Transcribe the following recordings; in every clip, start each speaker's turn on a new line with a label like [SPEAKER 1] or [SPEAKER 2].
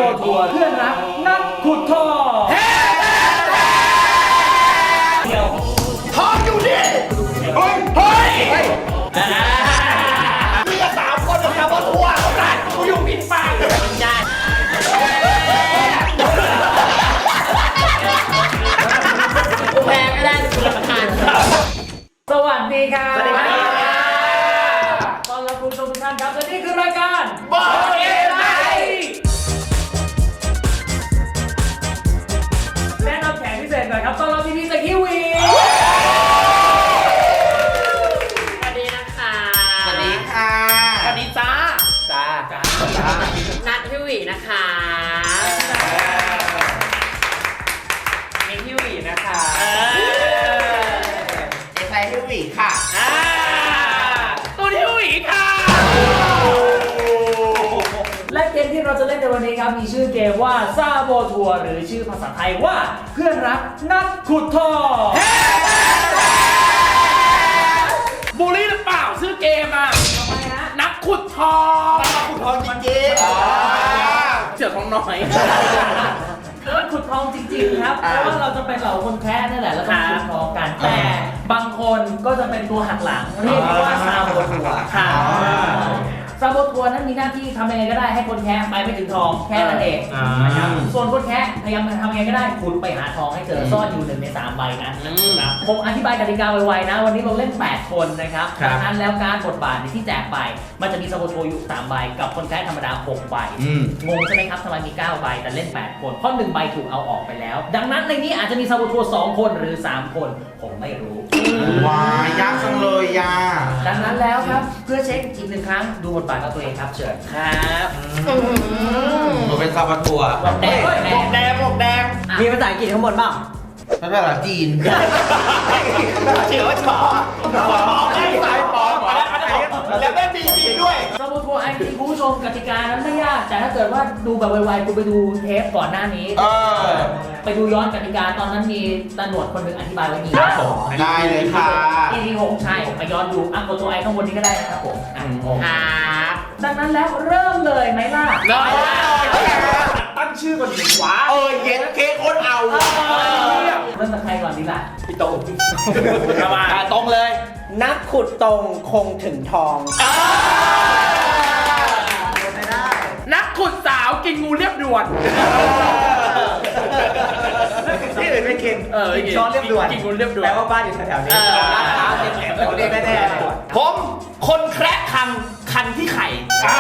[SPEAKER 1] ทัวร์เพื่อนรักนักขุดทองเดี๋ยวทองอยู่นี่เฮ้ยนี่ก็3 คนกับซาโบทัวร์เขาได้กูอยู่ผิดฝั่งใช่กูแพ้ไม่ได้กูรับประทานสวัสดีครับสวัสดีครับตอนรับคุณผู้ชมทุกท่านครับและนี่คือรายการบอลเกมไนท์แนะนำแขกพิเศษหน่อยครับตอนรับพี่จากคิวี
[SPEAKER 2] สวัสดีนะคะ
[SPEAKER 3] สวัสดีค่ะ
[SPEAKER 1] สวัสดีจ้า
[SPEAKER 2] นัทพี่หวีนะคะมีพี่หวีนะคะ
[SPEAKER 3] เอไซพี่หวีค่ะ
[SPEAKER 1] ตัวที่หวีค่ะและเกมที่เราจะเล่นในวันนี้ครับมีชื่อเกมว่าซาโบทัวร์หรือชื่อภาษาไทยว่าเพื่อนรักนักขุดทองบูลลี่หรือเปล่าชื่อเกมอ่ะทำไมฮะนักขุดทอง
[SPEAKER 3] จริง
[SPEAKER 1] เสือทองน้อยนักขุดทองจริงๆครับเพราะว่าเราจะเป็นเหล่าคนแค่นั่นแหละแล้วก็ขุดทองกันแต่บางคนก็จะเป็นตัวหักหลังเรียกว่าซาโบทัวร์ซาโบทัวร์นั้นมีหน้าที่ทำยังไงก็ได้ให้คนแค่ไปไม่ถึงทองแค่นั้นเองนะครับส่วนคนแค่พยายามทำยังไงก็ได้คุณไปหาทองให้เจอซ่อนอยู่1 ใน 3 ใบนะครับผมอธิบายกติกาไวๆนะวันนี้เราเล่น8 คนนะครับดังนั้นแล้วการบทบาทที่แจกไปมันจะมีซาโบทัวร์อยู่3 ใบกับคนแค่ธรรมดา6 ใบงงใช่ไหมครับทำไมมี9 ใบแต่เล่น8 คนเพราะ1 ใบถูกเอาออกไปแล้วดังนั้นในนี้อาจจะมีซาโบทัวร์2 คนหรือ3 คนผมไม่รู้
[SPEAKER 3] ว้ายากจังเลยยา
[SPEAKER 1] ดังนั้นแล้วครับเพื่อเช็คอีก1 ครั้งดูบทบาทของตัวเองครับเชิญครับ
[SPEAKER 3] หนูเป็นซาบะทัวร์
[SPEAKER 1] แดง
[SPEAKER 2] มีภาษาอังกฤษข้างบนบ้าง
[SPEAKER 3] ภาษาจีน
[SPEAKER 1] เชื่อว่าจ๋อไม่สายปอมแล้วได้บีจีด้วยซาโบทัวร์ไอทีคุณผู้ชมกติกานั้นไม่ยากแต่ถ้าเกิดว่าดูแบบไวๆคุณไปดูเทปก่อนหน้านี้ไปดูย้อนกติกาตอนนั้นมีตำรวจคนหนึ่งอธิบายไว้ดีครับผม
[SPEAKER 3] ได้เลยค่ะ
[SPEAKER 1] EP 6ใช่ไปย้อนดูกดตัวไอข้างบนนี้ก็ได้นะครับผมครับดังนั้นแล้วเริ่มเลยไหมล่ะตั้งชื่อก่อนดีกว่า
[SPEAKER 3] เย็นเค้กคนเอา
[SPEAKER 1] เริ่มจากใครก่อนดีล่ะ
[SPEAKER 3] พี่โต้
[SPEAKER 1] มาตรงเลย
[SPEAKER 2] นักขุดตรงคงถึงทอง
[SPEAKER 1] ไม่ได้นักขุดสาวกินงูเรียบด่วน
[SPEAKER 3] ที่อื่นไม่กิน
[SPEAKER 1] ช้อนเรียบด่วนกินงูเรียบด่วน
[SPEAKER 3] แปลว่าบ้านอยู่แถวๆนี้เราเรียกแน่
[SPEAKER 1] ๆผมคนแคระคันที่ไข่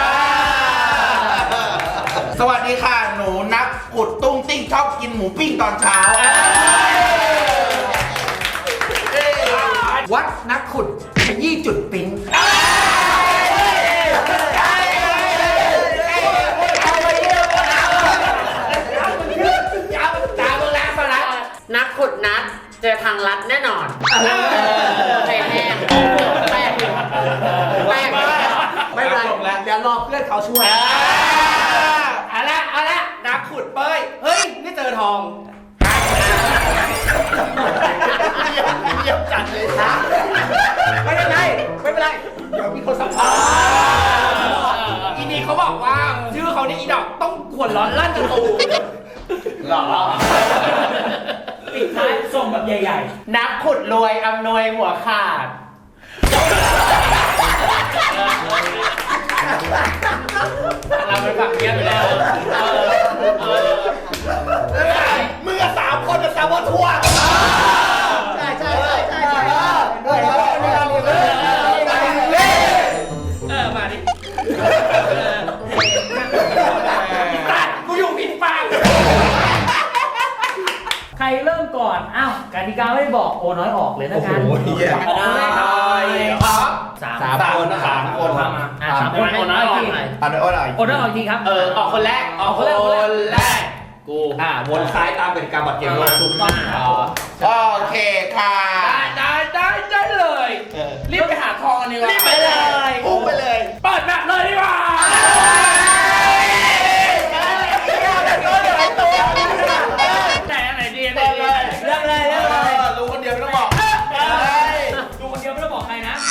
[SPEAKER 3] สวัสดีค่ะหนูนักขุดตุ้งติ้งชอบกินหมูปิ้งตอนเช้า
[SPEAKER 1] วัดนักขุดขยี้จุดปิ๊ง
[SPEAKER 2] นักขุดนัดเจอทางลัดแน่นอนแป้งไม่เป็นไรเดี๋ยวรอเพื่อนเขาช่วย
[SPEAKER 1] เอาละนักขุดเป้ยเฮ้ยนี่เจอทองเยี่ยมจัดเลยนะไม่เป็นไรเดี๋ยวมีคนสัมภาษณ์อีนี่เขาบอกว่าชื่อเขาในอีดอกต้องขวนร้อนลั่นประตูหรอปิดท้ายส่งแบบใหญ่ๆนักขุดรวยอำนวยหัวขาดเราไปฝั่งเนี้ยไปแล้วมึงกับ3 คนกับซาโบทัวร์ใช่มาดิกูอยู่ผิดฝั่งใครเริ่มก่อนอ้าวกติกาไม่บอกโอน้อยออกเลยนะกัน3 คน3 คนโอน้อยออกโอน้อยออกจริงครับออกคนแรกกู
[SPEAKER 3] วนซ้ายตามกติกาบัตรเกมโลกถูกต้องโอเคค่ะ
[SPEAKER 1] ได้เลยรีบไปหาทองกันดีกว่า
[SPEAKER 3] รีบไปเลยพุ่งไปเลย
[SPEAKER 1] เปิดแบบเลยดีกว่าไหนดีเรื่องอะไร
[SPEAKER 3] รู้คนเดียวไม่ต้องบอก
[SPEAKER 1] ดูคนเดียวไม่ต้องบอกใครนะ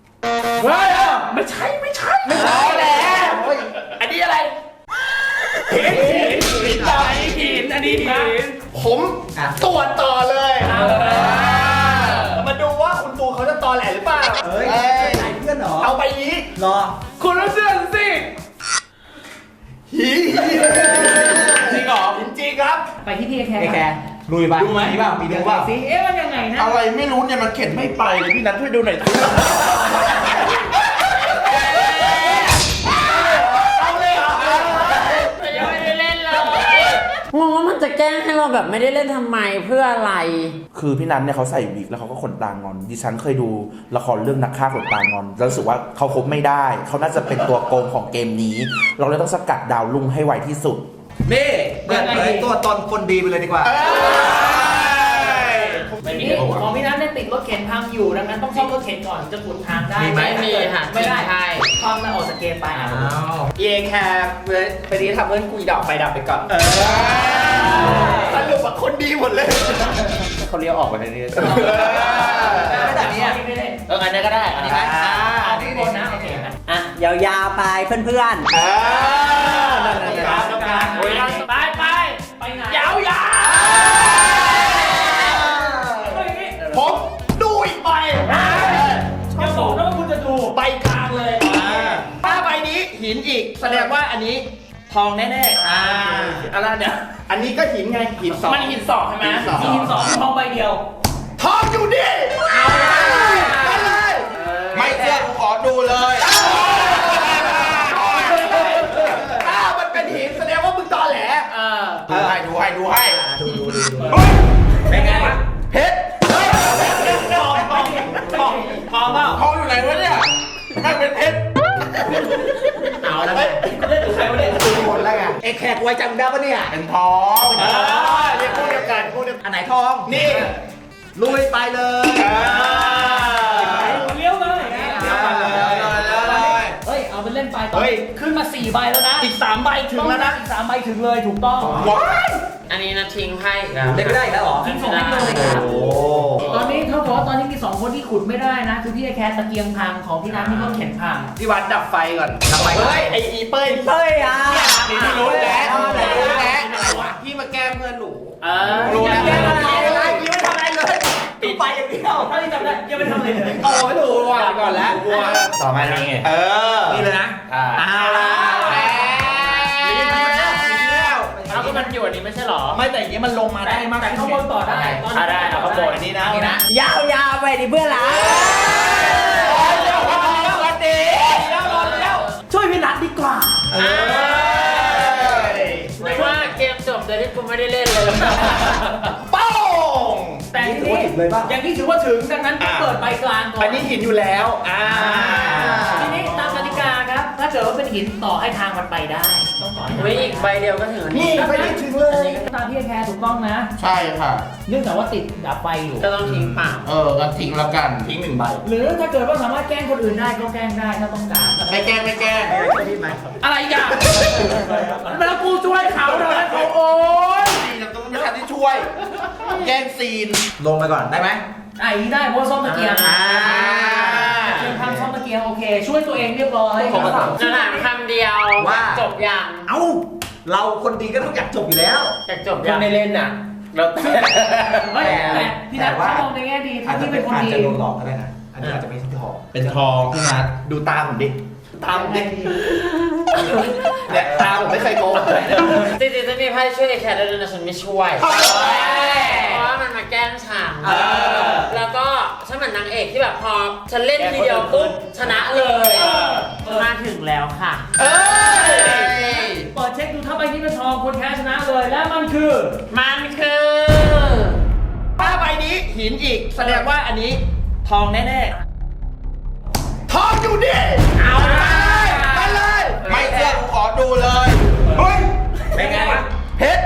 [SPEAKER 1] ไม่ใช่แล้วอันนี้อะไรหินอันนี้หิน
[SPEAKER 4] ผมตรวจต่อเลยมาดูว่าคุณปูเขาจะตอแหลหรือเปล่า
[SPEAKER 5] เฮ้ยไหนเพื่อนเหรอ
[SPEAKER 4] เอาไปนี้
[SPEAKER 5] รอ
[SPEAKER 1] คุณต้องเชื่อสิ
[SPEAKER 4] จริงเหรอจริงครับ
[SPEAKER 1] ไปที่พี่แค
[SPEAKER 5] ไอ้แก
[SPEAKER 1] ร์
[SPEAKER 5] ลุยไป
[SPEAKER 4] ดูไหม
[SPEAKER 5] มีเปล่ามีเรื่องเปล่า
[SPEAKER 1] สิเอ๊ะมันยังไงนะ
[SPEAKER 3] อะไรไม่รู้เนี่ยมันเข็นไม่ไปเลยพี่นัทช่วยดูหน่อยสิ
[SPEAKER 4] เอาเลยเหรอ
[SPEAKER 2] ยังไม่ได้เล่นเลยงงว่ามันจะแกล้งให้เราแบบไม่ได้เล่นทำไมเพื่ออะไร
[SPEAKER 3] คือพี่นัทเนี่ยเขาใส่วิกแล้วเขาก็ขนตางอน ดิฉันเคยดูละครเรื่องนักฆ่าขนตางอนแล้วรู้สึกว่าเขาคบไม่ได้เขาน่าจะเป็นตัวโกงของเกมนี้ เราเลยต้องสกัดดาวลุ่งให้ไวที่สุด
[SPEAKER 5] นี่เปิดเผยตัวตนคนดีไปเลยดีกว่า
[SPEAKER 1] ไม่มีของพี่นัทเนี่ยติดรถเข็นพังอยู่ดังนั้นต้องซ่อมรถเข็นก่อนจะขุดทางได้
[SPEAKER 5] มีไหม
[SPEAKER 2] ไม่มีค่ะ
[SPEAKER 1] ไม่ได้
[SPEAKER 2] ใช่
[SPEAKER 1] ความมันออกจากเกมไป
[SPEAKER 5] อ้าว
[SPEAKER 4] เอแคร์ไปนี้ทำเพื่อนกุยดอกไฟดับไปก่อนสรุปว่าคนดีหมดเลยเขาเลี้ยวออกไปในนี้
[SPEAKER 1] แบบนี้ไม่ได้
[SPEAKER 4] อันนี้ก็ได้อันนี้ไหม
[SPEAKER 1] ที่บนนะโอเคนะ
[SPEAKER 5] อ่ะยาวๆไปเพื่อน
[SPEAKER 1] ไปไปไหน
[SPEAKER 4] ยาว ผมดูอีกใบ
[SPEAKER 1] อย่าบอกนะว่าคุณจะดู
[SPEAKER 4] ใบกลางเลยถ้าใบนี้หินอีกแสดงว่าอันนี้ทองแน่ๆอะไรเนี่ยอันนี้ก็หินไงหินสอง
[SPEAKER 1] มันหินสองใช่ไหม
[SPEAKER 4] หินสอง
[SPEAKER 1] ทองใบเดียว
[SPEAKER 4] ทองอยู่ดิเอาเลย
[SPEAKER 3] ไม่เชื่อกูขอดูเลย
[SPEAKER 4] ถ้ามันเป็นหินแสดงว่ามึงตอแหล
[SPEAKER 3] ดูให้ดูให้ดูให้
[SPEAKER 5] ๆดู
[SPEAKER 1] เป็นไงวะ
[SPEAKER 3] เพชร
[SPEAKER 1] ทองเปล่า
[SPEAKER 3] ทองอยู่ไหนวะเนี่ยไม่เป็นเพชร
[SPEAKER 4] เอาแล้ว
[SPEAKER 1] เล่นกับใครวะเนี่ย
[SPEAKER 5] หมดแล้วไงไอ้แขกไว้จำได้ปะเนี่ย
[SPEAKER 3] เป็นทอง
[SPEAKER 4] เรียกพูดเดียวกันพูดเดียวกัน
[SPEAKER 5] อันไหนทอง
[SPEAKER 4] นี่
[SPEAKER 5] ลุยไปเลย
[SPEAKER 1] เลี้ยวเลย
[SPEAKER 3] เลย
[SPEAKER 1] เฮ้ยเอาไปเล่นไปต่อขึ้นมา4ใบแล้วนะ
[SPEAKER 4] อีก3ใบถึงแล้วนะ
[SPEAKER 1] อีก3ใบถึงเลยถูกต้อง
[SPEAKER 3] ว้าย
[SPEAKER 2] อันนี้นะทิ้งให้อีกแล้ว
[SPEAKER 5] เล่นไม่ได้อีกแล้วเหรอ
[SPEAKER 1] ทิ้งส่งให้เลยครับ
[SPEAKER 5] โอ้
[SPEAKER 1] ตอนนี้เท่ากับว่าตอนนี้มี2คนที่ขุดไม่ได้นะคือพี่ไอแคร์ตะเกียงพังของพี่น้ำนี่ก็เข็นพัง
[SPEAKER 4] พี่วัดดับไฟก่อน
[SPEAKER 5] ดับไฟก่อน
[SPEAKER 4] เฮ้ยไออีเป้ย
[SPEAKER 5] เฮ้ยอ่ะ
[SPEAKER 4] นี่ไม่รู้แล้ว
[SPEAKER 5] รู้แล้ว
[SPEAKER 4] อะไรวะพี่มาแกล้งเพื่อนหนู
[SPEAKER 1] รู้นะ
[SPEAKER 5] ยังไม่ทำอะไรเลยปิดไฟอย่างเดียว
[SPEAKER 1] ถ้าที่จำได้ยังไม่ทำอะไรเลย
[SPEAKER 4] โอ้ไม่รู้ว่ะก่อนแล้ว
[SPEAKER 5] ต่อมานี่ไง นี่เลยนะเอาละ
[SPEAKER 2] เอาก็มันอยู่อันนี้ไม่ใช่หรอ
[SPEAKER 4] ไม่แต่อย่างนี้มันลงมาได้มาก
[SPEAKER 1] แต่ข้างบนต่อได้ตอนนี้
[SPEAKER 2] ได้เอาข้างบน
[SPEAKER 4] อันนี้นะ
[SPEAKER 5] นี่นะ ยาวๆไปดิเพื่อนละ
[SPEAKER 4] วันดีแล้ว
[SPEAKER 1] ช่วยพี่นัทดีกว่า
[SPEAKER 2] ไม่ว่าเกมจบโดยที่กูไม่ได้เล่นเลย
[SPEAKER 4] ป้อง
[SPEAKER 1] แต่ทีนี้อย่างนี้ถือว่าถึงดังนั้นต้องเปิดใบกลางก่อน
[SPEAKER 4] อันนี้หินอยู่แล้ว
[SPEAKER 1] ทีนี้ตามกติกาครับ ถ้าเกิดว่าเป็นหินต่อให้ทางมันไปได้ ต้องต่อให้
[SPEAKER 2] ไม่อีกใบเดียวก็ถึง
[SPEAKER 4] นี่ไปได้ถึงเลย
[SPEAKER 1] ตามพี่แคร์ถูกต้องนะ
[SPEAKER 3] ใช่ค่ะ
[SPEAKER 1] เนื่องจากว่าติดดับไฟอยู่
[SPEAKER 2] ก็ต้องทิ้งเปล่า
[SPEAKER 3] ก็ทิ้งแล้วกัน
[SPEAKER 4] ทิ้ง1ใบ
[SPEAKER 1] หรือถ้าเกิดว่าสามารถแกล้งคนอื่นได้ก็แกล้งได้ถ้าต้องการ
[SPEAKER 3] ไม่แกล้งไม่แกล้ง
[SPEAKER 1] อะไรกันแล้วกูช่วยเขาเท่านั้นเขาโอ๊ย
[SPEAKER 3] ซีนต้องไม่ทันที่ช่วย แกล้งซีน
[SPEAKER 5] ลงไปก่อนได้ไหม
[SPEAKER 1] ไอ้ได้เพราะซ่อมตะเกียงเกียงทำซ่อมตะเกียงโอเค ช่วยตัวเองเรียบร้อย
[SPEAKER 2] จะถามคำเดียวจบยัง
[SPEAKER 5] เอ้า เราคนดีก็ต้องอยากจบอยู่แล้ว
[SPEAKER 2] อยากจบ
[SPEAKER 4] ค
[SPEAKER 2] ยั
[SPEAKER 4] น
[SPEAKER 2] ง
[SPEAKER 4] ในเล่นน่ะเรา
[SPEAKER 1] เฮ้ยแต่พี่นัทเขามองในแง่ดี
[SPEAKER 5] อาจจะ
[SPEAKER 1] ที่
[SPEAKER 5] เป็
[SPEAKER 1] เป็น นคน
[SPEAKER 5] อาจ
[SPEAKER 1] ดี
[SPEAKER 5] จะโดนหลอกก็ได้นะ อันนี้อาจจะไม่ใช่ทอง
[SPEAKER 3] เป็นทองพี่นัท
[SPEAKER 4] ดูตาผมดิตาผมดิเนี่ยตาผมไม่เคยโกงเลย
[SPEAKER 2] จริงๆจะมีไพ่ช่วยแคร์ได้ด้วยนะฉันไม่ช่วยเพราะว่ามันมาแกล้งฉันแล้วก็ฉันเหมือนนางเอกที่แบบพอฉันเล่นทีเดียวปุ๊บชนะเลยมาถึงแล้วค่ะ
[SPEAKER 1] เปิดเช็คดูถ้าใบนี้เป็นทองคนแพ้ชนะเลยและมันคือ
[SPEAKER 4] ถ้าใบนี้หินอีกแสดงว่าอันนี้ทองแน่ๆทองอยู่ดิเอาเลยไปเลย
[SPEAKER 3] ไม่เชื่อกูขอดูเลยเฮ้ย
[SPEAKER 5] เป็นไงวะ
[SPEAKER 4] เพชร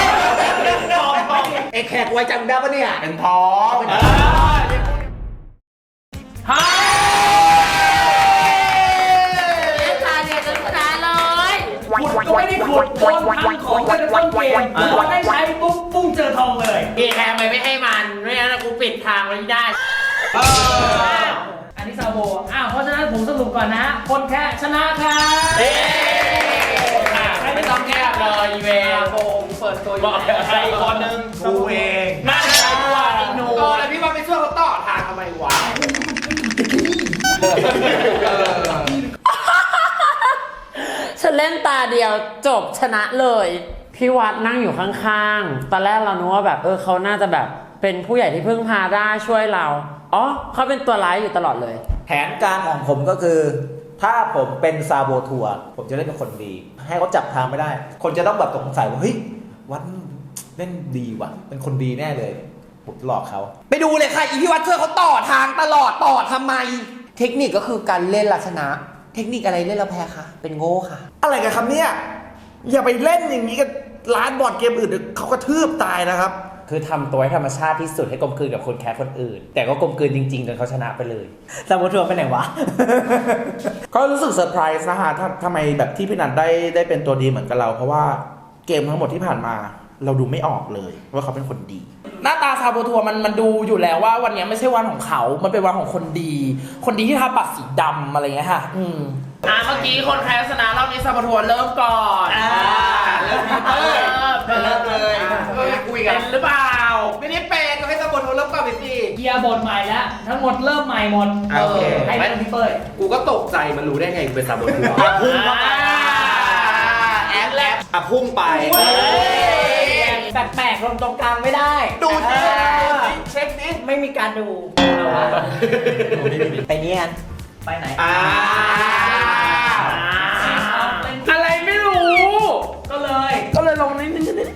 [SPEAKER 5] ไอ้แขกไว้จำได้ปะเนี่ย
[SPEAKER 3] เป็นทอง
[SPEAKER 1] ฮะ
[SPEAKER 2] ตาเนี่ยจะชนะเลย
[SPEAKER 1] ขุดก็ไม่ได้ขุดโดนพังของไปในต้นเกมพอได้ใช้ปุ๊บปุ้งเจอทองเลย
[SPEAKER 2] พี่แคร์ไม่ให้มันไม่งั้นกูปิดทางไว้ได้
[SPEAKER 1] อันนี้ซาโบเพราะฉะนั้นผมสรุปก่อนนะ คนแพ้ชนะครับ
[SPEAKER 4] ไม่ต้อง
[SPEAKER 2] ต้องแก้เลยอีเวล
[SPEAKER 4] โบงเปิดตัว
[SPEAKER 5] บอกใครคนหนึ่งกูเอง
[SPEAKER 1] น่าจะใช่ว่าอีโน
[SPEAKER 4] โอ้แล้วพี่ว่าไปช่วยเขาต่อทางทำไมวะ
[SPEAKER 2] ฉันเล่นตาเดียวจบชนะเลย พี่วัดนั่งอยู่ข้างๆ ตอนแรกเรานึกว่าแบบเขาน่าจะแบบเป็นผู้ใหญ่ที่พึ่งพาได้ช่วยเรา อ๋อเขาเป็นตัวร้ายอยู่ตลอดเลย
[SPEAKER 6] แผนการของผมก็คือ ถ้าผมเป็นซาโบทัวร์ผมจะเล่นเป็นคนดี ให้เขาจับทางไม่ได้ คนจะต้องแบบสงสัยว่าเฮ้ยวัดเล่นดีว่ะ เป็นคนดีแน่เลยผมหลอกเขา
[SPEAKER 4] ไปดูเลยค่ะอีพี่วัดช่วยเขาต่อทางตลอดต่อทำไม เทคนิคก็คือการเล่นลักษณะ เทคนิคอะไรเล่นแล้วแพ้คะเป็นโง่ค่ะ
[SPEAKER 3] อะไรกันครับเนี่ย อย่าไปเล่นอย่างนี้กับร้านบอร์ดเกมอื่นเดี๋ยวเขากระทืบตายนะครับ
[SPEAKER 7] คือทำตัวให้ธรรมชาติที่สุดให้กลมกลืนกับคนแคสคนอื่น แต่ก็กลมกลืนจริงๆจนเขาชนะไปเลย
[SPEAKER 6] ซาโบทัวร์ไปไหนวะ
[SPEAKER 3] ก็รู้สึกเซอร์ไพรส์นะฮะทำไมแบบที่พี่นันได้เป็นตัวดีเหมือนกับเรา เพราะว่าเกมทั้งหมดที่ผ่านมา เราดูไม่ออกเลยว่าเขาเป็นคนดี
[SPEAKER 1] หน้าตาซาโบทัวร์มันดูอยู่แล้วว่าวันนี้ไม่ใช่วันของเขา มันเป็นวันของคนดี คนดีที่ทาปากสีดำอะไรเงี้ยค่ะเมื่อกี้คนแคสชนะรอบนี้ซาโบทัวร์เริ่มก่อนเริ่มเลยคุยกันหรือเปล่า
[SPEAKER 4] ไม่ได้เป็นก็ให้ตำรวจเริ่มก่อนไปสิ
[SPEAKER 1] เกียร์บทใหม่แล้วทั้งหมดเริ่มใหม่หมด
[SPEAKER 4] โอเค
[SPEAKER 1] ให้เป็นพี่เป้ย
[SPEAKER 4] กูก็ตกใจมันรู้ได้ไงกูเป็นซาโบทัวร์
[SPEAKER 1] พุ่งเข้าไป
[SPEAKER 4] แอดแลบอ่ะพุ่งไป
[SPEAKER 6] แปลกๆลงตรงกลางไม่ได้
[SPEAKER 4] ดูดิเช็คดิ
[SPEAKER 6] ไม่มีการดู ไปเนี้ย
[SPEAKER 1] ไปไหน
[SPEAKER 4] อะไรไม่รู้
[SPEAKER 1] ก็เลยลงนิด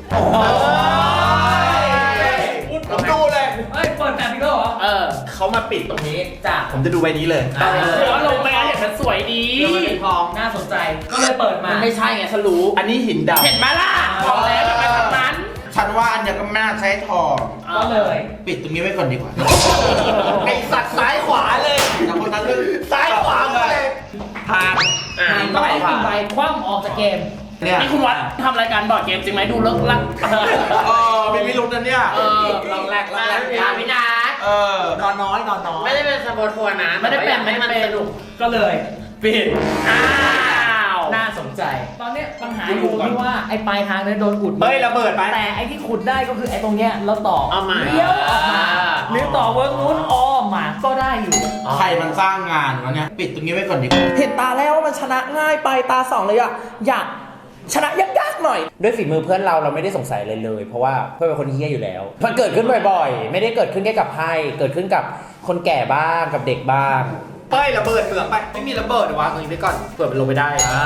[SPEAKER 4] ผมดูเลย
[SPEAKER 1] เฮ้ยเปิดแบบนี้ก็เหรอ
[SPEAKER 4] เขามาปิดตรงนี้
[SPEAKER 1] จ้ะ
[SPEAKER 4] ผมจะดูใบนี้เลย
[SPEAKER 1] แล้วลงไปเห็นมันสวยดีทองน่าสนใจ ก็เลยเปิดมาไม่ใช่ไงฉันรู้
[SPEAKER 4] อันนี้หินดำ
[SPEAKER 1] เห็นไหมล่ะบอกแล้วจะไปทางนั้น
[SPEAKER 3] ฉันว่าอันเนี้ยก็ไม่น่าใช้ทอง
[SPEAKER 1] ก็เลย
[SPEAKER 3] ปิดตรงนี้ไว้ก่อนดีกว่า
[SPEAKER 4] ไอสัตว์ซ้ายขวาเลย
[SPEAKER 3] แต่คนนั้นเรื่อง
[SPEAKER 4] ซ้ายขวาเลย
[SPEAKER 3] ทาง
[SPEAKER 1] ต้องให้กินใบคว่ำออกจากเกม
[SPEAKER 3] เนี่ย
[SPEAKER 1] นี่คุณวัดทำรายการบอร์ดเกมจริงไหมดูเลิกลัก
[SPEAKER 3] ไม่มีลุ้นนะเนี่ย
[SPEAKER 2] ลองแรกพี่นัท
[SPEAKER 6] นอนน้อยนอนน้อย
[SPEAKER 2] ไม่ได้เป็นซาโบทัวร์นะ
[SPEAKER 1] ไม่ได้เป็น
[SPEAKER 2] ให้มันสนุก
[SPEAKER 1] ก็เลยปิดอ้าว
[SPEAKER 6] น่าสนใจ
[SPEAKER 1] ตอนเนี้ยปัญหาอยู่ที่ว่าไอ้ปลายทางเนี่ยโดนอุด
[SPEAKER 4] เฮ้ยระเบิดไป
[SPEAKER 1] แต่ไอ้ที่ขุดได้ก็คือไอ้ตรงเนี้ยเราต่อ
[SPEAKER 2] เอามา
[SPEAKER 1] เลี้ยวออกมาหรือต่อเวิร์กนู้นอ้อมมาก็ได้อยู่
[SPEAKER 3] ใครมันสร้างงานวะเนี่ย ปิดตรงนี้ไว้ก่อนดีกว่า
[SPEAKER 1] เห็นตาแล้วว่ามันชนะง่ายไปตาสองเลยอะอยากชนะยากๆหน่อย
[SPEAKER 7] ด้วยฝีมือเพื่อนเราไม่ได้สงสัยเลยเลย เพราะว่าเพื่อนเป็นคนเฮี้ยอยู่แล้ว มันเกิดขึ้นบ่อยๆ ไม่ได้เกิดขึ้นแค่กับไพ่เกิดขึ้นกับคนแก่บ้างกับเด็กบ้าง
[SPEAKER 4] เฮ้ยระเบิดเปลือกไป ไม่มีระเบิดเดี๋ยววางตรงนี้ไว้ก่อนเผื่อมันลงไปได้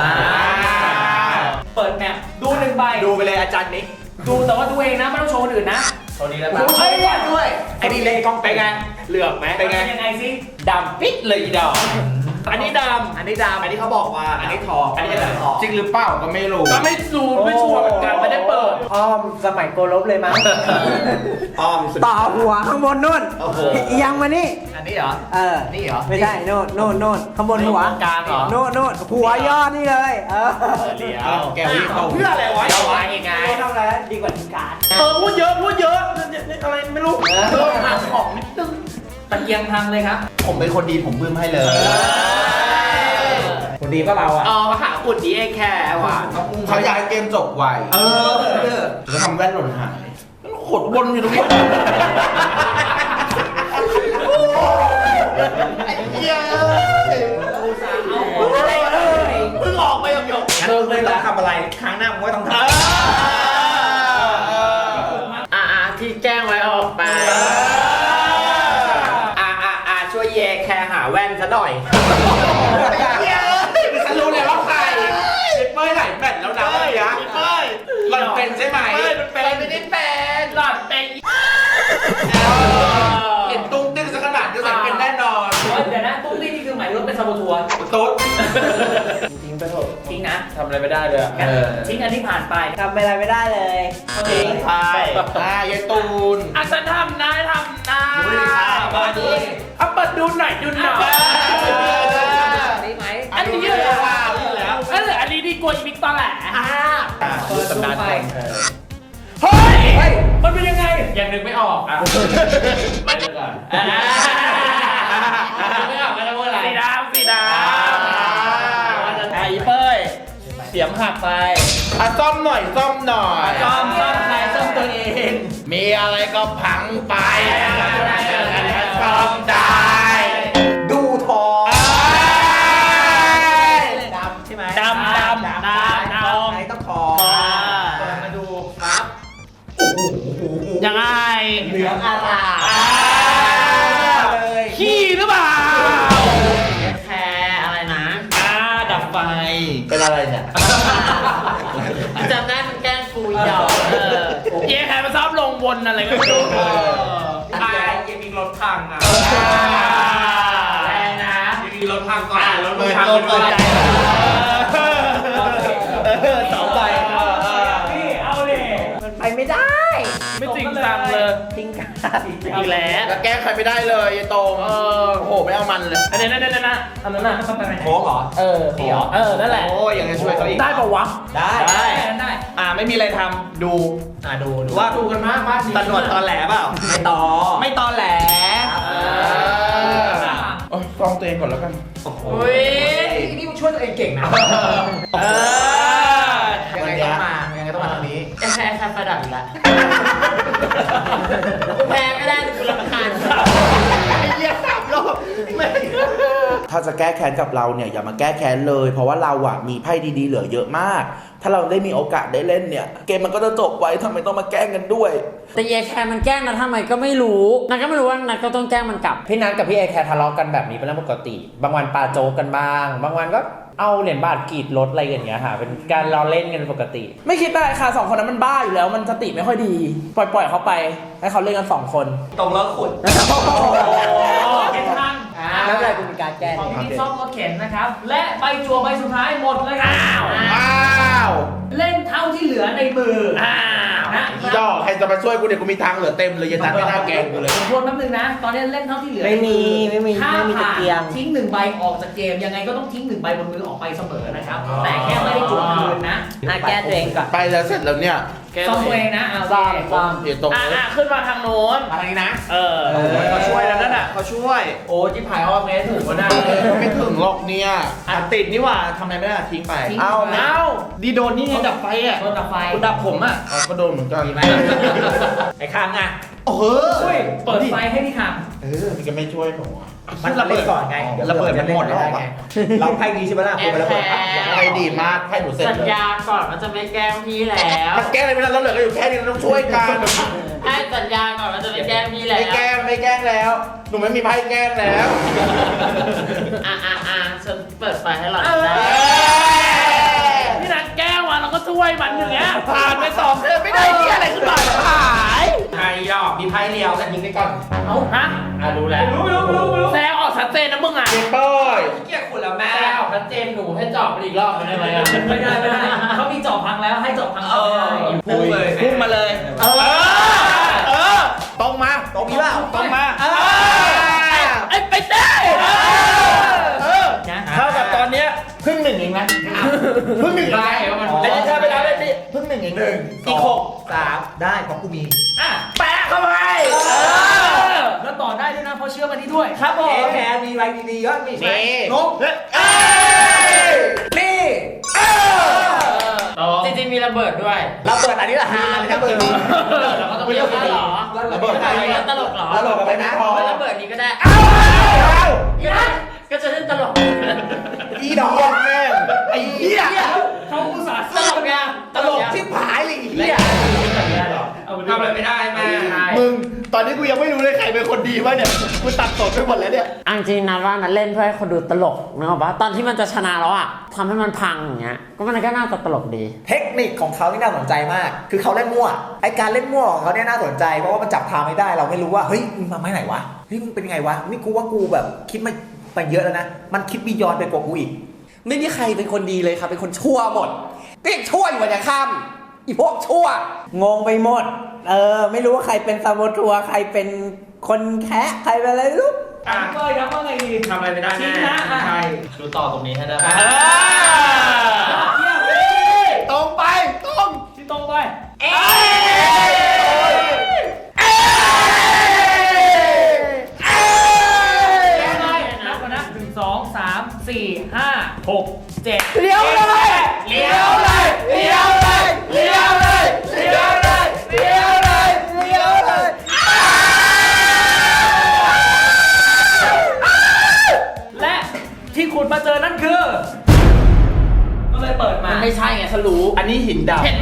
[SPEAKER 1] เปิดแมปดูหนึ่งใบ
[SPEAKER 4] ดูไปเลยอาจารย์นิก
[SPEAKER 1] ดูแต่ว่าดูเองนะไม่ต้องโชว์คนอื่นนะ
[SPEAKER 4] ตรงนี้แล้ว
[SPEAKER 1] ดูใช่เนี่ยด้วย
[SPEAKER 4] ไอ้นี่เล่นกล้องไปไงเหลือบไหมไปไง
[SPEAKER 1] ยังไงสิ
[SPEAKER 4] ดำปิดเลยอีดอกอันนี้ดำอันนี้ดำอันนี้เขาบอกว่า อันนี้ทองอันนี้ทอง
[SPEAKER 3] จริงหรือเปล่าก็ไม่รู้
[SPEAKER 1] ก็ไม่รู้ไม่ชัวร์เหมือนกันไม่ได้เปิด
[SPEAKER 6] อ้อมสมัยโกลบเลยมั้ง
[SPEAKER 4] อ้อมสุด
[SPEAKER 6] ต่อหัวข้างบนนู่น
[SPEAKER 4] โอ้โห
[SPEAKER 6] ยังมานี่
[SPEAKER 4] อันนี้เหรอ นี่เหรอ
[SPEAKER 6] ไม่ใช่โน่นโน่นโน่นข้างบนหัว
[SPEAKER 4] กลางเหรอ
[SPEAKER 6] โน่นโน่นหัวยอดนี่เลย
[SPEAKER 4] เดี๋ย
[SPEAKER 3] อ้าวแกวิ่งเข้า
[SPEAKER 4] เพื่ออะไรวะเอาไว้ยังไง
[SPEAKER 6] ไม่ทำอะไรดีกว่าทีมการ
[SPEAKER 1] พูดเยอะอะไรไม่รู้หาของนิดนึงตะเกียงพังเลยครับ
[SPEAKER 3] ผมเป็นคนดีผมบึ้มให้เลย
[SPEAKER 6] คนดีก็เราอ่ะ
[SPEAKER 4] อ๋อมาหาอุดดีไอ้แค่ว่ะ
[SPEAKER 3] เขาอยากให้เกมจบไวแล้วทำแว่นหล่นหายขดวนอยู่ตรงนี้
[SPEAKER 4] ไอ้เหี้ยเพิ่งออกไปหยกๆ
[SPEAKER 6] เลิกเลยต้องทำอะไร ครั้งหน้ามึงก็ต้องทำ
[SPEAKER 2] ที่แจ้งไว้เอาออกไป
[SPEAKER 4] ช่วยแยแคร์หาแว่นซะหน่อยฉันรู้เลยว่าใครพี่เป้ยไหลแบตแล้วนะพี่เป้ยหล่อนเป็นใช่ไหมเป็นไม่ได้เป็นหล่อนเป็นเห็นตุ้งติ้งสักขนาดก็ใส่เป็นแน่นอน
[SPEAKER 1] เดี๋ยวนะตุ้งตี้นี่คือหมายรถเป็นซาโบทัวร์
[SPEAKER 4] ตุ๊ด
[SPEAKER 6] จริงไปเถอะ
[SPEAKER 1] ทิ้งนะ
[SPEAKER 4] ทำอะไรไม่ได้เลย
[SPEAKER 1] ทิ้งอันที่ผ่านไป
[SPEAKER 6] ทำอะไรไม่ได้เลย
[SPEAKER 4] ทิ้งไปยายตูน
[SPEAKER 1] ฉันทำนะ
[SPEAKER 4] มาดิ
[SPEAKER 1] เอาเปิดดูหน่อย
[SPEAKER 6] นี่ไหม
[SPEAKER 1] อันนี้เยอะแล้วอันนี้ดีกว่าอีพิกตอนแหละเปิดดูไปเฮ้ยมันเป็นยังไงยังนึกไม่ออกไปเลยก่อนไม่ออกไม่รู้อะไรสีดำไอ้เป้ยเสียมหักไป
[SPEAKER 3] ซ่อมหน่อยซ่อมหน่อย
[SPEAKER 1] ซ่อมใครซ่อมตัวเอง
[SPEAKER 3] มีอะไรก็พังไปซ่อมได้
[SPEAKER 6] ดูทอง
[SPEAKER 4] ดำใช่ไหม
[SPEAKER 1] ดำ
[SPEAKER 6] ไหนต้องทอง
[SPEAKER 4] เปิดมาดูครับ
[SPEAKER 1] ยังไง
[SPEAKER 6] เหลืองอาราม เลย
[SPEAKER 1] ขี้หรือเปล่า
[SPEAKER 2] แคร์อะไรนะ
[SPEAKER 1] ดับไฟ
[SPEAKER 3] เป็นอะไรเนี่ย
[SPEAKER 2] จำได้มันแกล้งกูอีดอก
[SPEAKER 1] เย้ใครมาซ่อมลงบนอะไรก็ไม่รู้
[SPEAKER 4] ยังมีรถพังอ่ะ
[SPEAKER 2] แรงนะ
[SPEAKER 4] ยังมีรถพังก่อนรถ
[SPEAKER 3] เปิด
[SPEAKER 4] พัง
[SPEAKER 3] โลกเปิดใจ
[SPEAKER 6] สองใบ
[SPEAKER 1] พี่เอาเลย
[SPEAKER 6] มันไปไม่ได้
[SPEAKER 1] ไม่จริงจังเลย
[SPEAKER 6] ทิ้งกัน
[SPEAKER 1] อีกแล้ว
[SPEAKER 3] แล้วแก้ใครไม่ได้เลยยายตรงโอ้โหไม่เอามันเลย
[SPEAKER 1] อันนี้นั่นอันนั้นน่ะต้องไปไหน
[SPEAKER 6] โค้งเหรอ
[SPEAKER 1] นี่เหรอนั่นแหละ
[SPEAKER 4] โอ้ยยังจะช่วยเขาอีก
[SPEAKER 1] ได้ปะวะ
[SPEAKER 6] ได้
[SPEAKER 1] ได้
[SPEAKER 4] ไม่มีอะไรทำดู
[SPEAKER 6] ดู
[SPEAKER 4] ว่าดูกันมากตำรวจตอนแหลเปล่า
[SPEAKER 6] ไม่ต่อ
[SPEAKER 4] ไม่ตอนแหล
[SPEAKER 3] โอ้ยฟ้องตัวเองก่อนแล้วกัน
[SPEAKER 2] อุ้ย
[SPEAKER 6] นี่มึงช่วยตัวเองเก่งนะ
[SPEAKER 4] ยังไงต้องมาทางนี้
[SPEAKER 2] แคร์ไฟดับอีกแล้วกูแพ้ไม่ได้กูรำคาญ
[SPEAKER 4] เรียก3 รอบไม่
[SPEAKER 3] ถ้าจะแก้แค้นกับเราเนี่ยอย่ามาแก้แค้นเลย เพราะว่าเราอะมีไพ่ดีๆเหลือเยอะมาก ถ้าเราได้มีโอกาสได้เล่นเนี่ย เกมมันก็จะจบไว้ทำไมต้องมาแกล้งกันด้วย
[SPEAKER 2] แต่เยแคร์มันแกล้งนะทำไมก็ไม่รู้นัทก็ไม่รู้ว่านัทก็ต้องแกล้งมันกลับ
[SPEAKER 7] พี่นัทกับพี่เอแคร์ทะเลาะกันแบบนี้เป็นเรื่องปกติ บางวันปาโจกกันบ้าง บางวันก็เอาเหรียญบาทกรีดรถอะไรอย่างเงี้ยค่ะ เป็นการล้อเล่นกันปกติ
[SPEAKER 1] ไม่คิดได้ค่ะสองคนนั้นมันบ้าอยู่แล้วมันสติไม่ค่อยดี ปล่อยเขาไปให้เขาเล่นกัน2 คน
[SPEAKER 6] ตรงแล้วขุด
[SPEAKER 1] เข็นทาง
[SPEAKER 6] แล้วอะไรกูมีการแก้
[SPEAKER 1] ของพี่ซ่อมก็เข็นนะครับ และใบจั่วใบสุดท้ายหมดเลยครับ
[SPEAKER 3] อ้าว
[SPEAKER 1] เล่นเท่าที่เหลือในมือนะ
[SPEAKER 3] อีดอกใครจะมาช่วยกูเนี่ยกูมีทางเหลือเต็มเลยยันนัดไม่น่าแกล้งกูเลย
[SPEAKER 1] ผมทวนแป๊บนึงนะ ตอนนี้เล่นเท่าที่เหลือ
[SPEAKER 6] ไม่มี
[SPEAKER 1] ถ้า
[SPEAKER 6] ไม่มีตะ
[SPEAKER 1] ผ่าน
[SPEAKER 6] เกียง
[SPEAKER 1] ทิ้ง1 ใบออกจากเกมยังไงก็ต้องทิ้ง1 ใบบนมือออกไปเสมอนะครับ แต่แค่ไม่ได้จั่วคืนนะ
[SPEAKER 6] แก้ตัวเองก่อน
[SPEAKER 3] ไปแล้วเสร็จแล้วเนี่ย
[SPEAKER 1] ซ่อมตัวเองนะเอา
[SPEAKER 6] ซ่อม
[SPEAKER 3] เดี๋ยวตรงเลย
[SPEAKER 1] ขึ้นมาทางโน้น
[SPEAKER 4] มาทางนี้นะ
[SPEAKER 1] เขาช่วยแล้วนั่น
[SPEAKER 4] เขาช่วย
[SPEAKER 1] โอ้จิ๊บหายออกเมสถูกวะนะ
[SPEAKER 3] ไม่ถึงหรอกเนี่ย
[SPEAKER 4] ติดนี่หว่าทำอะไรไม่ได้ทิ้งไป
[SPEAKER 1] ทิ้ง
[SPEAKER 3] เอ้า
[SPEAKER 1] เอ้า
[SPEAKER 4] ดีโดนนี่ไงดับไฟอ่ะ
[SPEAKER 1] โดนดับไฟ
[SPEAKER 4] คุณดับผมอ่ะ
[SPEAKER 3] เอาก็โดนเหมือนกัน
[SPEAKER 6] ไอ้ข้างอ่ะ
[SPEAKER 4] โอ้โห
[SPEAKER 1] อุ้ยเปิดไฟให้พี่ท
[SPEAKER 3] มันก็ไม่ช่วยหนูอะ
[SPEAKER 4] มันระเบิดก่อนไงระเบิดมันหมดแล้ว
[SPEAKER 6] เราไพ่ดีใช่ไหมล่ะคุณไประเบิดปั๊บ
[SPEAKER 3] ไพ่ดีมากไพ่หนูเสร็จ
[SPEAKER 2] สัญ
[SPEAKER 3] เลย
[SPEAKER 2] ญาก่อนว่าจะไม่แกล้งพี่แล้ว
[SPEAKER 3] มันแกล้งอะไรไม่ได้แล้วเหลือก็อยู่แค่นี้เราต้องช่วยกัน
[SPEAKER 2] ให้สัญญาก่อนว่าจะไม่แกล้งพี่แล้ว
[SPEAKER 3] ไม่แกล้งแล้ว หนูไม่มีไพ่แกล้งแล้ว
[SPEAKER 2] ฉันเปิดไฟให้หล่อน
[SPEAKER 1] ำ
[SPEAKER 2] ได้
[SPEAKER 1] พี่นันแก้วเราก็ช่วยมันอย่างเงี้ยผ่านไป2 เดือนไม่ได้เหี้ยอะไรขึ้นมาหาย
[SPEAKER 4] ไพ่ดอกมีไพ่เดียวกันยิงไปก่อน
[SPEAKER 1] เอาฮะ
[SPEAKER 4] รู้แล้ว
[SPEAKER 1] แซงออกชัดเจนนะมึงอ่ะ
[SPEAKER 3] เกมเป้ย
[SPEAKER 4] เกี่ยคุณแล้วแม่
[SPEAKER 2] แม่ออกชัดเจนหนูให้จอบไปอีกรอบได้ไหม
[SPEAKER 1] ไม่ได้เขามีจอบพังแล้วให้จอบพังไม่ได้
[SPEAKER 4] พุ่งเลยพุ่งมาเลยตรงมาตรงนี้เปล่าตรงมา
[SPEAKER 1] ไอ้ไปได้
[SPEAKER 4] เท่ากับตอนเนี้ยพึ่ง 1เองนะพึ่ง 1
[SPEAKER 2] ได้ว่ามัน
[SPEAKER 4] แต่ถ้าไปแล้วได้ดิพึ่ง 1เองอีก6 3ได้เพราะกูมี
[SPEAKER 1] แปะเข้าไปแล้วต่อได้ด้วยนะเพราะเชื่อมันนี้ด้วยครับผม
[SPEAKER 6] แพ้มีอะไรดีๆก็มี
[SPEAKER 3] นี่
[SPEAKER 4] นก
[SPEAKER 6] นี่
[SPEAKER 2] จริงๆมีระเบิดด้วย
[SPEAKER 6] เราเปิดอันนี้ละฮาเลยนะเปิด
[SPEAKER 2] เราก็ต้องเรียกว่าหรอ
[SPEAKER 3] ระเบิด
[SPEAKER 2] ตลกหรอ
[SPEAKER 3] ระเบิดกับไปนะ
[SPEAKER 2] ไม่ระเบิดนี้ก็ได้ก็จะเล่นตลก
[SPEAKER 3] อีดอกแม่ง
[SPEAKER 4] ไอ้เหี้ย
[SPEAKER 1] เขาอุตส่าห์
[SPEAKER 2] ตลกไง
[SPEAKER 4] ตลกชิบหายเลยไอ้เหี้ยทำอะไรไม่ได้แม่มึงตอนนี้กูยังไม่รู้เลยใครเป็นคนดีวะเนี่ยกูตัดสดไปหมดแล้วเนี่ย
[SPEAKER 2] อังจริงนะว่านัทเล่นเพื่อให้คนดูตลกนึกออกปะตอนที่มันจะชนะแล้วอ่ะทำให้มันพังอย่างเงี้ยก็มันก็น่าจะตลกดี
[SPEAKER 6] เทคนิคของเขาที่น่าสนใจมาก คือเขาเล่นมั่ว ไอการเล่นมั่วของเขาเนี่ยน่าสนใจ เพราะว่ามันจับทางไม่ได้ เราไม่รู้ว่า เฮ้ย มึงมาไม่ไหนวะ เฮ้ย มึงเป็นยังไงวะ นี่กูว่ากูแบบคิดมาไปเยอะแล้วนะ มันคิดบียอนไปกว่ากูอีก
[SPEAKER 8] ไม่มีใครเป็นคนดีเลยครับ เป็นคนชั่วหมดก็ยังชั่วอยู่วันยังค่ำอีพวกชั่ว
[SPEAKER 6] งงไปหมด ไม่รู้ว่าใครเป็นซาโบทัวร์ใครเป็นคนแคะใครเป็นอะไรไม่รู้
[SPEAKER 1] ก็ครับว่าไงดี
[SPEAKER 4] ทำอะไรไม่ได้
[SPEAKER 1] ทิ้
[SPEAKER 4] แน่
[SPEAKER 1] งนะ
[SPEAKER 4] ใช่
[SPEAKER 5] ดูต่อตรงนี้ให้ได้
[SPEAKER 4] ตรงไปตรง
[SPEAKER 1] ที่ตรงไป นับก่อนนะ1 2 3 4 5 6 7
[SPEAKER 6] เลี้ยวเลย
[SPEAKER 1] เลี้ยวเลยเลี้ยวเลย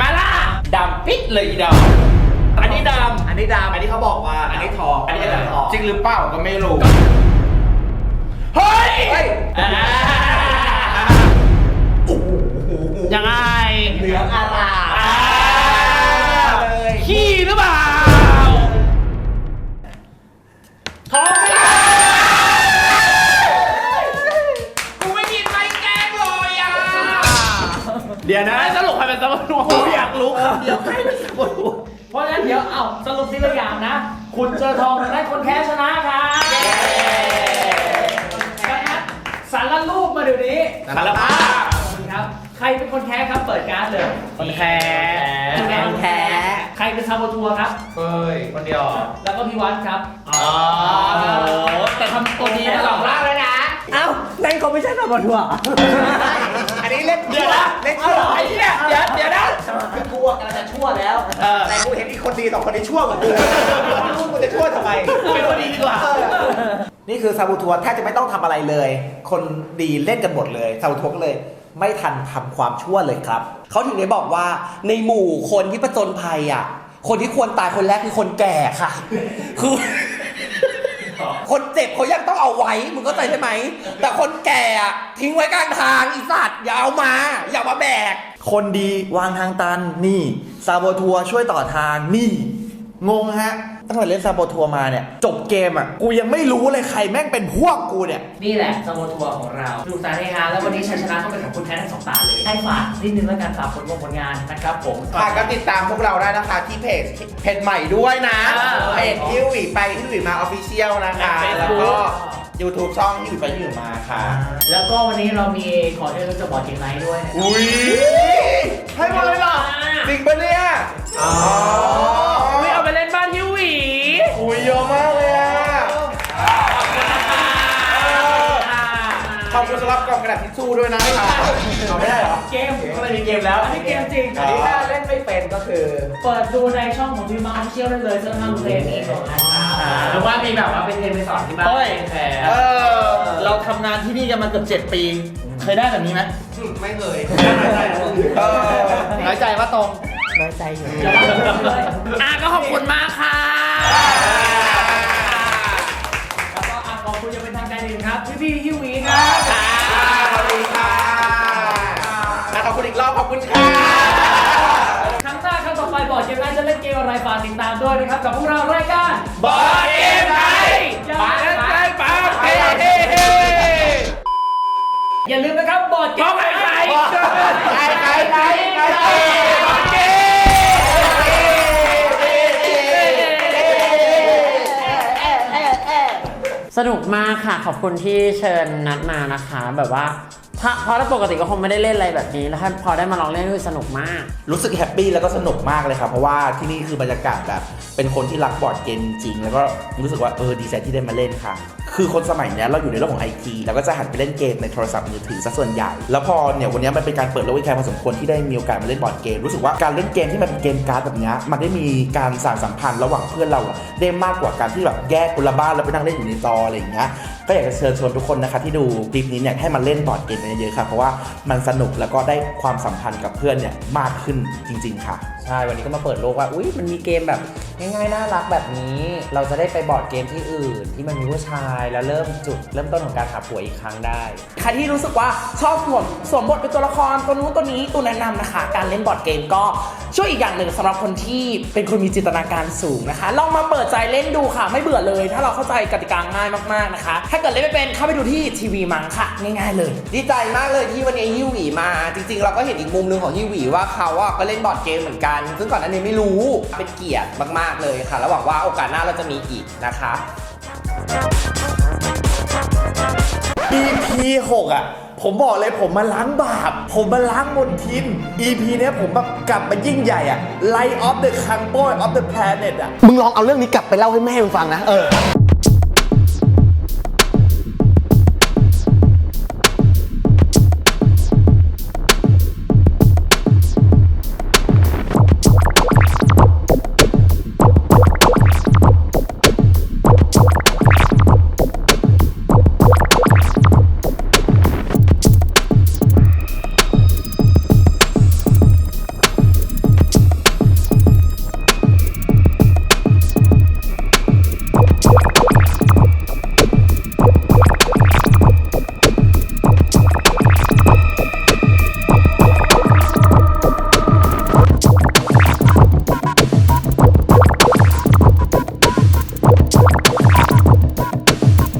[SPEAKER 5] มาล่ะดำปิดเลยอีดำอันนี้ดำ
[SPEAKER 4] อันนี้ดำอันนี้เขาบอกว่าอันนี้ทองอันนี้จะทอง
[SPEAKER 5] จริงหรือเปล่าก็ไม่รู้เฮ้ยยังไง
[SPEAKER 4] เหลืองอร่ามเลย
[SPEAKER 5] ขี้หรือเปล่าทองกูไม่กินไม่แกล้งเลยอ่ะ
[SPEAKER 4] เดี๋ยวนะ
[SPEAKER 5] สรุปใครเป็นสมุน
[SPEAKER 4] กูอยากรู้คำเดียวใครเป็นสมุน
[SPEAKER 1] เพราะฉะนั้นเดี๋ยวสรุปทีละอย่างนะ คุณเจอทองได้คนแพ้ชนะครับดังนั้นสารรูปมาเดี๋ยวนี้
[SPEAKER 5] สารภาพ
[SPEAKER 1] ครับ ใครเป็นคนแพ้ครับเปิดการ์ดเลย
[SPEAKER 5] คนแพ้
[SPEAKER 1] คนแพ้ใครเป็นซาโบทัวร์ครับ
[SPEAKER 5] เฮ้ยคนเดียว
[SPEAKER 1] แล้วก็พี่วัดครับ
[SPEAKER 5] อ๋อแต่ทำตัวดีนะหลอกล่าเลยนะ
[SPEAKER 6] เอ้านั่นเขาไม่ใช่ซาบอทัวร์
[SPEAKER 4] อันนี้เล่น
[SPEAKER 5] เดี๋ยวนะ
[SPEAKER 4] เล่นชั่ว
[SPEAKER 5] ไอ้เนี่ยเดี๋ยวนะ
[SPEAKER 4] คือกูกำลังจะชั่วแล้ว แต่กูเห็นอีกคนดีสองคนนี้ชั่วกว่ากูกูจะชั่วทำไม
[SPEAKER 5] เป็นคนดีดีกว่า
[SPEAKER 6] นี่คือซาบูทัวร์แทบจะไม่ต้องทำอะไรเลย คนดีเล่นกันหมดเลยซาบูทัวร์ก็เลย ไม่ทันทำความชั่วเลยครับ
[SPEAKER 8] เขาถึงได้บอกว่าในหมู่คนที่ประจนภัยอ่ะ คนที่ควรตายคนแรกคือคนแก่ค่ะ คือ คนเจ็บเขายังต้องเอาไว้มึงเข้าใจใช่ไหม แต่คนแก่อะทิ้งไว้กลางทางอีสัตว์อย่าเอามา อย่ามาแบก
[SPEAKER 3] คนดีวางทางตันนี่ซาโบทัวร์ช่วยต่อทางนี่งงฮะตั้งแต่เล่นซาโบทัวร์มาเนี่ยจบเกมอ่ะกูยังไม่รู้เลยใครแม่งเป็นพวกกูเนี่ย
[SPEAKER 1] นี่แหละซาโบทัวร์ของเราดูสารเฮฮาแล้ววันนี้ชัยชนะต้องเป็นของคุณแพ้ทั้งสองตาเลยให้ฝากนิดนึงแล้วกันฝากผลงานนะครับผม
[SPEAKER 4] ค่ะก็ติดตามพวกเราได้นะคะที่เพจใหม่ด้วยนะเพจฮิวหวีไปฮิวหวีมาออฟฟิเชียลนะคะแล้วก็ YouTube ช่องฮิวหวีไปฮิวหวีมาค่ะ
[SPEAKER 1] แล้วก็วันนี้เรามีขอเชิญจะบอร์ดเกมไนท์ด้วยนะครับ
[SPEAKER 4] อุ้ยให้มาเลยเหรอจริงปะเนี่ยอ๋อ
[SPEAKER 5] ไม่เอาไปเล่นบ้านฮิวหวี
[SPEAKER 4] อุ้ยเยอะมากเลยอ่ะขอบคุณสำหรับกล่องกระดาษทิชชู่ด้วยนะคะเอาไม่ได้เหรอ
[SPEAKER 1] เกม
[SPEAKER 4] ก็ไม่มีเกมแล้ว
[SPEAKER 1] อันนี้เกมจริง
[SPEAKER 6] อันนี้ถ้าเล่นไม่เป็นก็คือ
[SPEAKER 1] เปิดดูในช่องของทีมมาเชียลได้เลยเซิร์ฟทางเพลงนี้ก่อนนะครับ
[SPEAKER 5] หรือว่ามีแบบว่าเป็นเทรนไปสอนที่บ้านแพ้
[SPEAKER 4] เราทำงานที่นี่กันมาเกือบ7 ปี เคยได้แบบนี้ไหมไม่เคยน้อยใจว่าตรง
[SPEAKER 1] น้อยใจอยู่อย่าเล่นเลย
[SPEAKER 5] ก็ขอบคุณมากค่ะ
[SPEAKER 1] แล้วก็ขอบคุณยังเป็นทางการอีกครับพี่ฮิววีครับ
[SPEAKER 4] ขอบคุณค่ะขอบคุณอีกรอบขอบคุณค่ะ
[SPEAKER 1] ครั้งหน้าครั้งต่อไปบอร์ดเกมไนท์จะเล่นเกมอะไรฝากติดตามด้วยนะครับกับพวกเรารายการ
[SPEAKER 5] บอร์ดเกมไนท์มาเล่นได้ปะเฮ้
[SPEAKER 1] อย่าลืมนะครับบอร์ดเกมไนท์
[SPEAKER 5] ใคร
[SPEAKER 2] สนุกมากค่ะ ขอบคุณที่เชิญนัดมานะคะ แบบว่าเพราะถ้าปกติก็คงไม่ได้เล่นอะไรแบบนี้ แล้วถ้าพอได้มาลองเล่นก็สนุกมาก
[SPEAKER 3] รู้สึกแฮปปี้แล้วก็สนุกมากเลยครับเพราะว่าที่นี่คือบรรยากาศแบบเป็นคนที่รักบอร์ดเกมจริงๆแล้วก็รู้สึกว่าดีใจที่ได้มาเล่นค่ะคือคนสมัยนี้เราอยู่ในโลกของ IT แล้วก็จะหันไปเล่นเกมในโทรศัพท์มือถือซะส่วนใหญ่แล้วพอเนี่ยวันนี้มันเป็นการเปิดโลกอีกแค่พอสมควรที่ได้มีโอกาสมาเล่นบอร์ดเกมรู้สึกว่าการเล่นเกมที่มันเป็นเกมการ์ดแบบนี้มันได้มีการสานสัมพันธ์ระหว่างเพื่อนเราได้มากกว่าการที่แบบแยกคนละบ้านแล้วไปนั่งเล่นอยู่ในจออะไรอย่างเงี้ยก็อยากจะเชิญชวนทุกคนนะคะที่ดูคลิปนี้เนี่ยให้มาเล่นบอร์ดเกมกันเยอะๆค่ะเพราะว่ามันสนุกแล้วก็ได้ความสัมพันธ์กับเพื่อนเนี่ยมากขึ้นจริงๆค่ะ
[SPEAKER 7] ใช่ วันนี้ก็มาเปิดโลกว่า อุ๊ย มันมีเกมแบบง่ายๆ น่ารักแบบนี้ เราจะได้ไปบอร์ดเกมที่อื่น ที่มันมีผู้ชายแล้วเริ่มต้นของการหาผัวอีกครั้งได้
[SPEAKER 9] ใครที่รู้สึกว่าชอบสวมบทเป็นตัวละครตัวนู้นตัวนี้ตัวแนะนำนะคะ การเล่นบอร์ดเกมก็ช่วยอีกอย่างหนึ่งสำหรับคนที่เป็นคนมีจินตนาการสูงนะคะลองมาเปิดใจเล่นดูค่ะไม่เบื่อเลย ถ้าเราเข้าใจกติกาง่ายมากๆนะคะ ถ้าเกิดเล่นไม่เป็นเข้าไปดูที่ทีวีมังค่ะง่ายๆเลย
[SPEAKER 8] ดีใจมากเลยที่วันนี้ฮิวหวีมา จริงๆ เราก็เห็นอีกมุมหนึงของฮิวหวีว่าเขาก็เล่นบอร์ดเกมเหมือนกัน ซึ่งก่อนหน้านี้ไม่รู้เป็นเกียรติมากๆเลยค่ะแล้วหวังว่าโอกาสหน้าเราจะมีอีกนะคะ
[SPEAKER 3] EP 6 ผมบอกเลยผมมาล้างบาปผมมาล้างมลทิน EP เนี้ยผมแบบกลับมายิ่งใหญ่Light of the Campo of the Planet
[SPEAKER 8] มึงลองเอาเรื่องนี้กลับไปเล่าให้แม่มึงฟังนะ